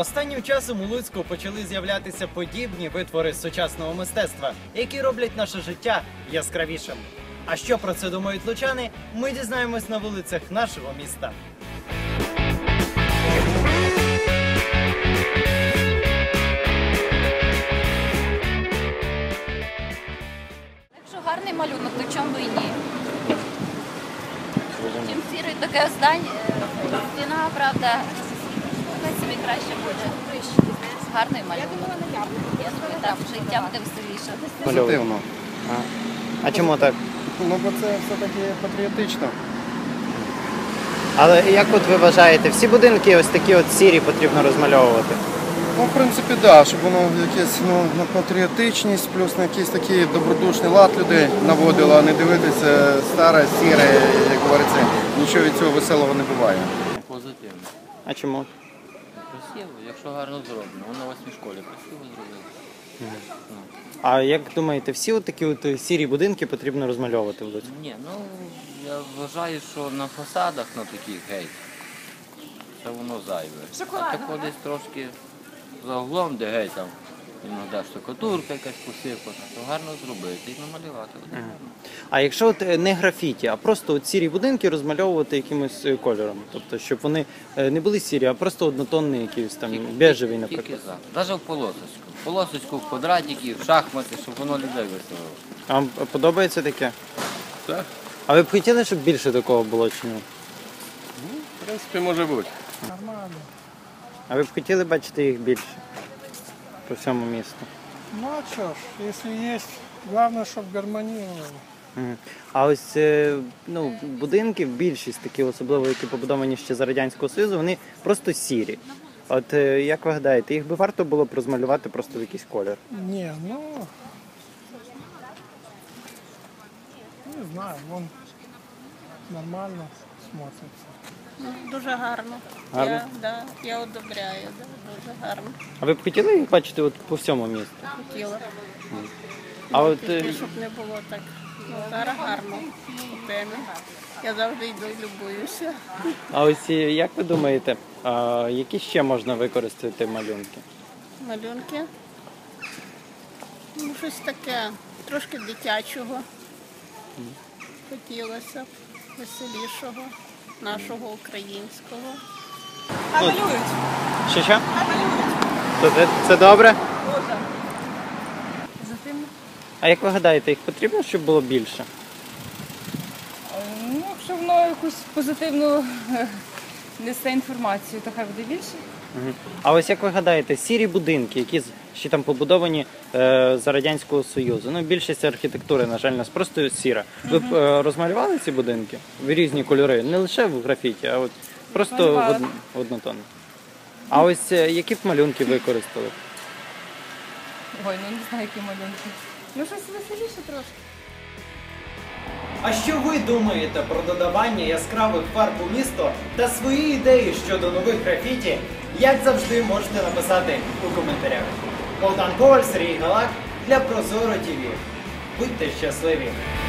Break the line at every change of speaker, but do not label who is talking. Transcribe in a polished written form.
Останнім часом у Луцьку почали з'являтися подібні витвори сучасного мистецтва, які роблять наше життя яскравішим. А що про це думають лучани, ми дізнаємось на вулицях нашого міста.
Якщо гарний малюнок, то чому і ні? Чим сірий таке здання, стіна, правда, хай собі краще буде. Гарний малюнок. Я собі там життя буде веселіше.
Позитивно.
А чому так?
Ну, бо це все-таки патріотично.
Але як от ви вважаєте, всі будинки ось такі от сірі потрібно розмальовувати?
Ну, в принципі, так, да, щоб воно якесь на патріотичність, плюс на якийсь такий добродушний лад людей наводило, а не дивитися старе, сіре, як говориться, нічого від цього веселого не буває.
Позитивно.
А чому?
Красиво, якщо гарно зроблено. Воно у 8 школі красиво зробили.
А як думаєте, всі от такі от сірі будинки потрібно розмальовувати в Луцьку?
Ні, ну я вважаю, що на фасадах на таких геть, це воно зайве. А тако десь трошки за углом, де геть там, іноді штукатурка якась посипана, то гарно зробити і намалювати.
А якщо от не графіті, а просто от сірі будинки розмальовувати якимось кольором? Тобто, щоб вони не були сірі, а просто однотонні якісь там, бежеві, наприклад.
Тільки за. Навіть в полосочку. В полосочку, в квадратики, в шахмати, щоб воно людей веселило.
А вам подобається таке?
Так.
А ви б хотіли, щоб більше такого було чи ні?
В принципі, може бути.
А ви б хотіли бачити їх більше по всьому місту?
Ну а что ж, если есть, главное, чтобы гармонировало.
Мгм. А ось ну, будинки, більшість такі, особливо які побудовані ще за Радянського Союзу, вони просто сірі. От як ви гадаєте, їх би варто було б розмалювати просто в якийсь колір?
Не, ну, не знаю, вон нормально смотрится.
Дуже гарно.
Гарно?
Я одобряю, дуже гарно.
А ви б хотіли їх бачити от по всьому місту?
Хотіла.
А от
Тільки, щоб не було так. Ну, зараз гарно. У темі. Я завжди йду і любуюся.
а ось як ви думаєте, які ще можна використати малюнки?
Малюнки. Ну, щось таке, трошки дитячого. Хотілося б веселішого, нашого українського.
Що? То це добре? А як ви гадаєте, їх потрібно, щоб було більше?
Ну, якщо воно якусь позитивну несе інформацію, то хай буде більше.
Мгм. А ось як ви гадаєте, сірі будинки, які ще там побудовані за Радянського Союзу, ну більшість архітектури, на жаль, у нас просто сіра. Ви б розмалювали ці будинки в різні кольори? Не лише в графіті, а от просто в однотонно. А ось які б малюнки використали?
Ой, ну не знаю, які малюнки. Ну, щось веселіше трошки.
А що ви думаєте про додавання яскравих фарб у місто та свої ідеї щодо нових графіті, як завжди можете написати у коментарях. Богдан Коваль, Сергій Галак для Прозоро ТВ. Будьте щасливі!